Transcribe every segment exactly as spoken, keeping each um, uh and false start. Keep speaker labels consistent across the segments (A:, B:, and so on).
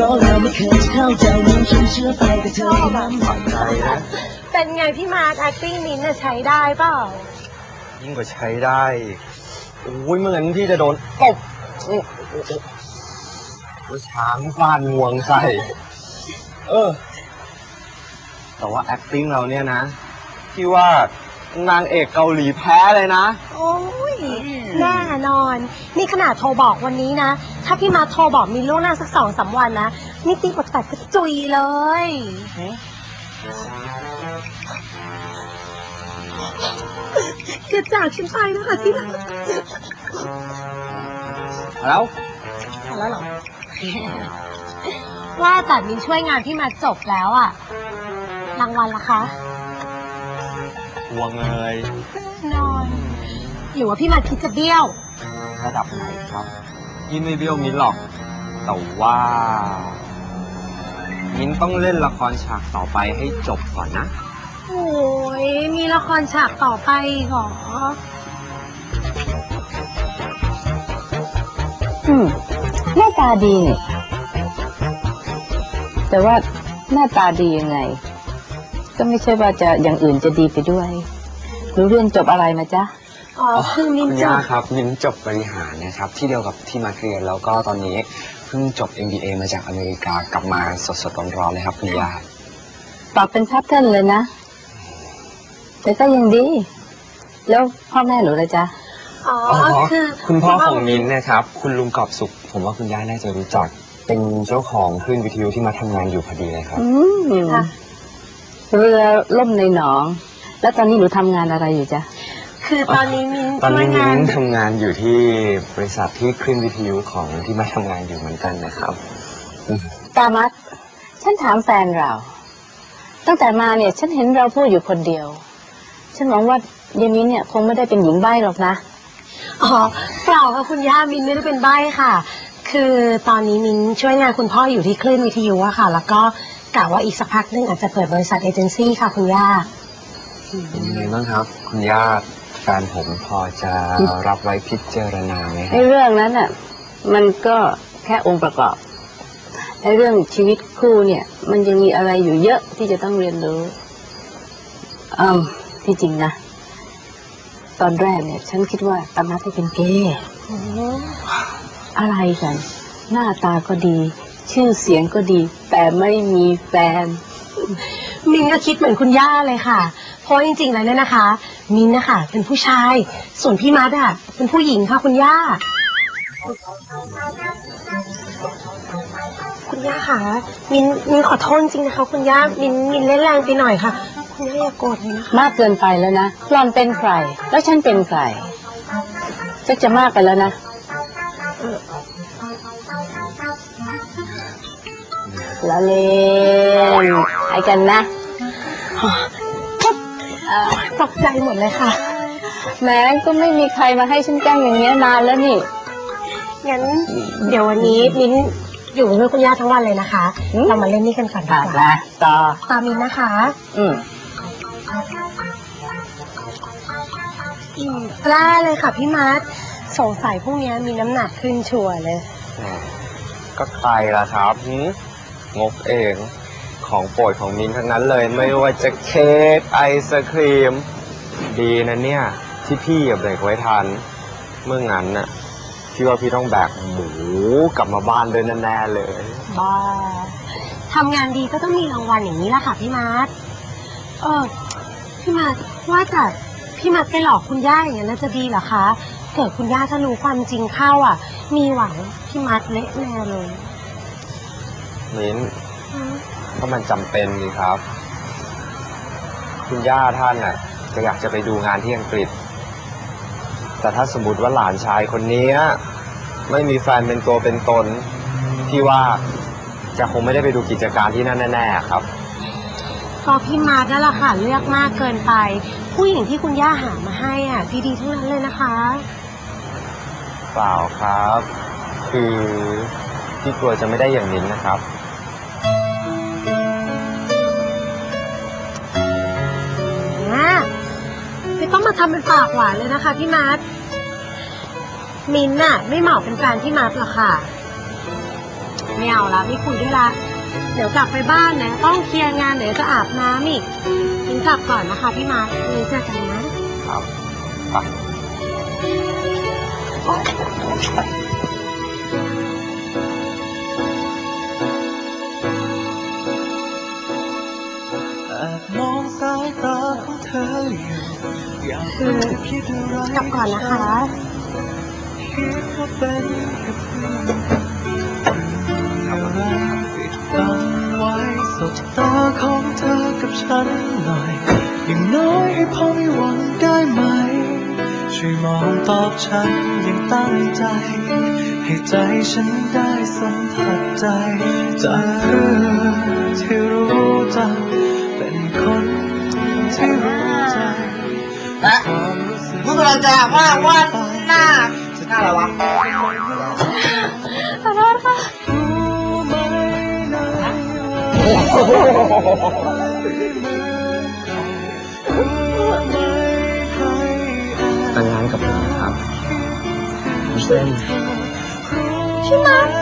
A: เป็นไงพี่มาร์ค acting มิ้นท์ใช้ได้เปล่า
B: ยิ่งกว่าใช้ได้โอ้ยเหมือนที่จะโดนตบช้างฟาดงวงใส่เออแต่ว่า acting เราเนี่ยนะที่ว่านางเอกเกาหลีแพ้เลยนะ
A: โอ้ยแน่นอนนี่ขนาดโทรบอกวันนี้นะถ้าพี่มาโทรบอกมีล่วงหน้าสักสองสามวันนะนี่ตีบทแตกกระจุยเลยเกิดจากฉันไปนะคะที่รัก
B: แล้ว
A: แล้วเหรอว่าแต่มินช่วยงานพี่มาจบแล้วอะรางวัลล่ะคะ
B: วงเลย
A: นอนหรือว่าพี่มาคิดจะเบี้ยว
B: ระดับไหนครับพี่ไม่เบี้ยวมิ้นหรอกแต่ว่ามิ้นต้องเล่นละครฉากต่อไปให้จบก่อนนะ
A: โอ้ยมีละครฉากต่อไปหรอ
C: อืมหน้าตาดีนี่แต่ว่าหน้าตาดียังไงก็ไม่ใช่ว่าจะอย่างอื่นจะดีไปด้วยรู้เรียนจบอะไรมาจ๊ะ
A: อ๋อคือมิ้นจบ
B: ครับมิ้นจบบริหารนะครับที่เดียวกับที่มาเรียนแล้วก็ตอนนี้เพิ่งจบ เอ็ม บี เอ มาจากอเมริกากลับมาสดๆร้อนๆเลยครับคุณย่า
C: ตอบเป็นพับเทิลเลยนะแต่ก็ยังดีแล้วพ่อแม่หนูเลยจ๊ะ
A: อ๋อคือ
B: คุณพ่อของมิ้นนะครับคุณลุงกอบสุขผมว่าคุณย่าน่าจะรู้จักเป็นเจ้าของคลื่นวิทยุที่มาทำงานอยู่พอดีเลยครับ
C: อืมเรือล่มในหนองแล้วตอนนี้หนูทำงานอะไรอยู่จ๊ะ
A: คือตอนนี้มิ้น
B: ตอนนี้มิ้นทำงานอยู่ที่บริษัทที่คลื่นวิทยุของที่มาทำงานอยู่เหมือนกันนะครับ
C: ตามัดฉันถามแฟนเราตั้งแต่มาเนี่ยฉันเห็นเราพูดอยู่คนเดียวฉันหวังว่ายายมิ้นเนี่ยคงไม่ได้เป็นหญิงใบ้หรอกนะ
A: อ๋อเปล่าค่ะคุณย่ามิ้นไม่ได้เป็นใบ้ค่ะคือตอนนี้มิ้นช่วยงานคุณพ่ออยู่ที่คลื่นวิทยุอะค่ะแล้วก็กะว่าอีกสักพักนึงอาจจะเปิดบริษัทเอเจนซี่ค่ะคุณย่า
B: เป็นยังไงบ้างครับคุณย่าแฟนผมพอจะรับไว้พิจารณาไหม
C: ในเรื่องนั้นอ่ะมันก็แค่องค์ประกอบในเรื่องชีวิตคู่เนี่ยมันยังมีอะไรอยู่เยอะที่จะต้องเรียนรู้อืมที่จริงนะตอนแรกเนี่ยฉันคิดว่าตามัดจะเป็นเกย์อะไรกันหน้าตาก็ดีชื่อเสียงก็ดีแต่ไม่มีแฟน
A: มิ้นก็คิดเหมือนคุณย่าเลยค่ะเพราะจริงๆแล้วเนี่ยนะคะมิ้นนะคะเป็นผู้ชายส่วนพี่มัดอะเป็นผู้หญิงค่ะคุณย่าคุณย่าค่ะมิ้นมิ้นขอโทษจริงนะคะคุณย่ามิ้นมิ้นเล่นแรงไปหน่อยค่ะคุณย่าอย่าโกรธเลยนะคะ
C: มากเกินไปแล้วนะหล่อนเป็นใครแล้วฉันเป็นใครจะจะมากไปแล้วนะละเล่นไอ้กันนะ
A: ตกใจหมดเลยค่ะ
C: แม้ก็ไม่มีใครมาให้ฉันแกล้งอย่างเงี้ยนานแล้วนี่
A: งั้นเดี๋ยววันนี้มิ้นอยู่กับคุณย่าทั้งวันเลยนะคะเรามาเล่นนี่กันก่อนดีกว่า
C: ต่อ
A: ตามมิ้นนะคะ
C: อืม
A: กล้าเลยค่ะพี่มัดสงสัยพวกนี้มีน้ำหนักขึ้นชัวร์เลย
B: ก็ใครล่ะครับงกเองของโปรดของมิ้นทั้งนั้นเลยไม่ว่าจะเค้กไอศครีมดีนะเนี่ยที่พี่เบรกไว้ทันเมื่องั้นน่ะพี่ว่าพี่ต้องแบกหมูกลับมาบ้านด้วยแน่ๆเลย
A: บ้าทำงานดีก็ต้องมีรางวัลอย่างนี้แหละค่ะพี่มัดเออพี่มัดว่าแต่พี่มัดไปหลอกคุณย่าอย่างนั้นน่าจะดีเหรอคะเกิดคุณย่าถ้ารู้ความจริงเข้าอ่ะมีหวังพี่มัดเละแน่เลย
B: มิ้นเพราะมันจำเป็นนี่ครับคุณย่าท่านน่ะก็อยากจะไปดูงานที่อังกฤษแต่ถ้าสมมติว่าหลานชายคนนี้ไม่มีแฟนเป็นตัวเป็นตนพี่ว่าจะคงไม่ได้ไปดูกิจการที่นั่นแน่ๆครับ
A: ก็พี่มาร์คนั่นแหละค่ะเลือกมากเกินไปผู้หญิงที่คุณย่าหามาให้อ่ะดีๆทั้งนั้นเลยนะคะ
B: เปล่าครับคือพี่กลัวจะไม่ได้อย่างนี้นะครับ
A: ไม่ต้องมาทำเป็นปากหวานเลยนะคะพี่มาร์คมินน่ะไม่เหมาะเป็นแฟนพี่มาร์คหรอกค่ะไม่เอาละไม่คุยด้วยละเดี๋ยวกลับไปบ้านนะต้องเคลียร์งานเดี๋ยวจะอาบน้ำอีกงั้นกลับก่อนนะคะพี่มาร์ควันนี้เจอกันนะครับ
B: ไป
D: แอบมองสายตาของเธออยู่อยาก
A: คือ
D: รู้คิดอะไร
A: กลับก่อนนะคะ
D: คิดว่าเป็นแค่เพื่อนอะไรปิดบังไว้สบตาของเธอกับฉันหน่อยอย่างน้อยให้พอมีหวังได้ไหมช่วยมองตอบฉันอย่างตั้งใจให้ใจฉันได้สัมผัสใจจากเรื่องที่รู้จักเป็นคนที่รู้ใจ
E: นะ
D: ความรู้สึก
E: มึงเราจะว่าว่าหน้าหน้าอะไรวะ
A: ขอโทษค่ะ
D: รู้ไหมนะรู้ไหมใครแอบ
B: แต่งงานกับผมนะครับเส้น
A: พี่มาร์ค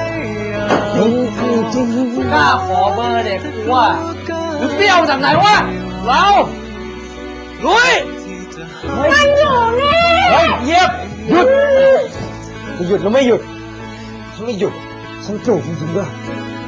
E: กล้าขอเบอร์เด็กกูว่าหรือเปรี้ยวจากไหนวะเราลุย
A: มันอยู่นี่
E: เฮ้ยเยียบ
B: หยุดจะหยุดหรือไม่หยุดฉันไม่หยุดฉันจูบจริงๆด้วย